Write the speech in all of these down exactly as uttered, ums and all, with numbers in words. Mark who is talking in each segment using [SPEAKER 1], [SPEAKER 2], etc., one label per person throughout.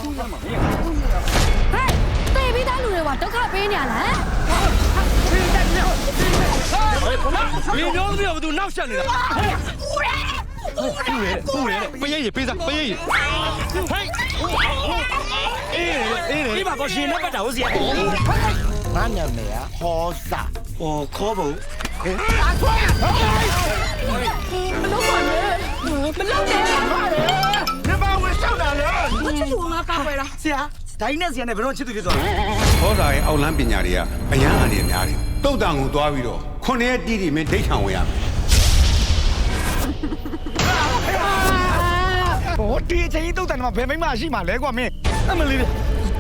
[SPEAKER 1] တေးပြီးသားလူတွေကဒုက္ခပေးနေရလား
[SPEAKER 2] 你娘子要不都闹下来了？不然，不然，不然，不愿意，背上，不愿意。嘿，哎哎，你把个心那个找谁？
[SPEAKER 3] 俺娘们呀，好傻，
[SPEAKER 2] 哦，可不。
[SPEAKER 1] မလုပ်ပါနဲ့မလုပ်နဲ့
[SPEAKER 3] 你把我上哪了？
[SPEAKER 1] 我ချစ်သူငါကောက်ပဲလား
[SPEAKER 3] 是啊，大姨那时间呢，不让吃东西做。
[SPEAKER 4] ဟောစာရဲ့အောက်လန်းပညာတွေကအရန်အန်ရများတယ်တုတ်တန်ကိုသွားပြီးတော့ခုနှစ်ရက်တီးတီမင်းဒိတ်ခံဝင်ရမယ်
[SPEAKER 3] 我第一天都在那边没马戏嘛，来过没？那么厉害。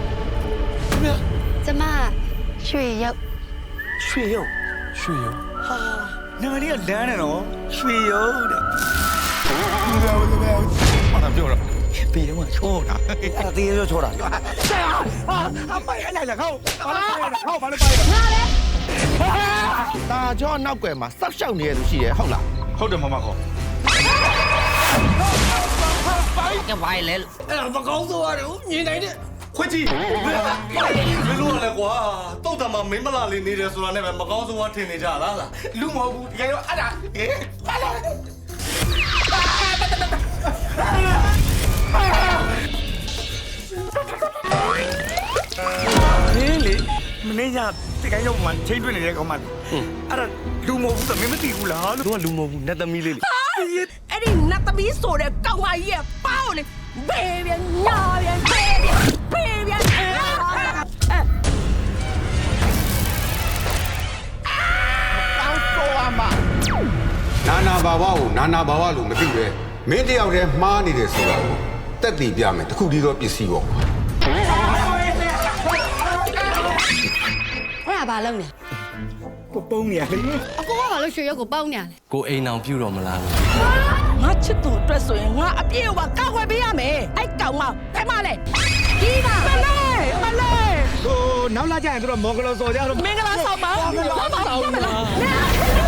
[SPEAKER 1] ကျမရွှေရုပ်
[SPEAKER 3] 水油，
[SPEAKER 2] 水油。
[SPEAKER 3] 哈，那个你要凉的咯，水油的。不要不要，马上表了，别他妈错了，啊，第一就错了。是啊，啊，啊，买来了，好，把它掰了，好，把它掰了。
[SPEAKER 1] ငါလေ
[SPEAKER 3] 大家闹鬼嘛，十少年都是好了。
[SPEAKER 2] ဟုတ်တယ်မမခေါ်
[SPEAKER 5] cái vai lên
[SPEAKER 2] အဲ့ဒါမကောင်းဆိုရတယ်မြင်နိုင်တဲ့
[SPEAKER 6] ခွေးကြီးမင်းတို့ကလည်းကွာတုတ်တံမှာမင်းမလာလေးနေတယ်ဆိုတာနဲ့ပဲမကောင်းဆုံးကထင်နေကြလားလားလူမဟုတ်ဘူးတကယ်တော့အဲ့ဒါဟေးပါလာ
[SPEAKER 3] นี่လေမင်းညတကယ်ရောက်မှချိန်တွေ့နေတဲ့ကောင်မလေးအဲ့ဒါလူမဟုတ်ဘူးသမီးမသိဘူးလားလို့
[SPEAKER 2] သူကလူမဟုတ်ဘူးနတ်သမီးလေးလေ
[SPEAKER 7] အဲ့ဒီနတ်သမီးဆိုတဲ့ကောင်မကြီးရဲ့ပေါင်းလေဘေးပြန်ညာပြန်ဘေးပြန်ဘေးပြန်အဲ
[SPEAKER 3] တောင်းဆိုရမှာ
[SPEAKER 4] နာနာဘာဝကိုနာနာဘာဝလို့မသိပဲမင်းတယောက်တည်းမှားနေတယ်ဆိုတာကိုတက်တည်ပြမယ်တခုတည်းသောပစ္စည်းပေါ့
[SPEAKER 1] အဲ့ဒါဘာလုပ်နေ
[SPEAKER 3] ပုံနေရလေ
[SPEAKER 1] အကိုကဘာလို့ရွှေရုပ်ကိုပေါင်းနေရလဲ
[SPEAKER 2] ကိုအိမ်အောင်ပြုတော်မလားလို့
[SPEAKER 7] ငါချစ်သူအတွက်ဆိုရင်ငါအပြည့်အဝကောက်ွယ်ပေးရမယ်အဲ့ကောင်မဖဲမလဲဒီပါမလဲမလဲ
[SPEAKER 3] ဟိုနောက်လာကြရင်တို့မော်ဂလောစော်ကြတော့
[SPEAKER 7] မင်္ဂလာဆောင်ပါမင်္ဂလာဆောင်ပါ